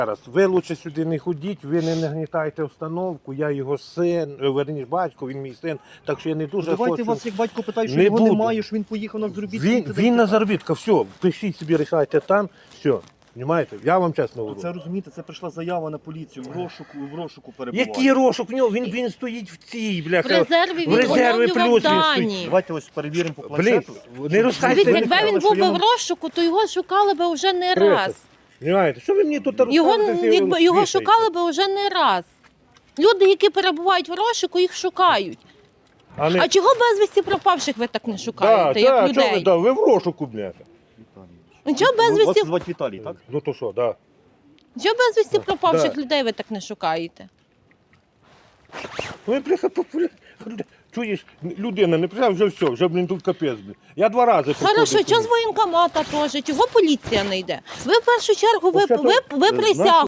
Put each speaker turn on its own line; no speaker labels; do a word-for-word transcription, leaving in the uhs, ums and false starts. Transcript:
Зараз, ви лучше сюди не ходіть, ви не нагнітайте установку, я його син, верніше батько, він мій син, так що я не дуже
Давайте
хочу.
вас, як батько питає, що
Не
його
буду.
немає, що він поїхав на заробітки.
Він, він на заробітках, все, пишіть собі, рішайте там, все. Понимаєте? Я вам чесно говорю.
Це розумієте, це прийшла заява на поліцію, в розшуку, в розшуку перебуває.
Який розшук в нього? Він, він стоїть в цій,
В
бляха.
резерві
в
він
резерві
оновлював
плюс він
дані.
стоїть.
Давайте ось перевіримо по
Блін,
планшету.
не розказуйте.
Дивіться,
ви
якби
не
він
що
був би
йому-
в розшуку, то його шукали би вже не
Криса.
раз.
Понимаєте? Що ви мені тут
Його,
розказуєте?
якби, його
Вішаєте?
шукали би вже не раз. Люди, які перебувають в розшуку, їх шукають.
А, не...
А чого безвісті пропавших ви так не
да,
шукаєте, як
да, чого ви,
людей?
да, ви в розшуку, бляха.
Ну, Чого
Вас
безвісті,
звати Віталій, так?
Ну то що, да.
чого безвісті
Да.
пропавших
Да.
людей ви так не шукаєте?
Ну, бляха, популярно. Чуєш, людина не прийшла, вже все, вже, блін, тут капець, блін. Я два рази
Хорошо,
приходив
чого з
туди.
воєнкомата теж? Чого поліція не йде? Ви в першу чергу, ви,
Оце то-
ви, ви
Е,
присягу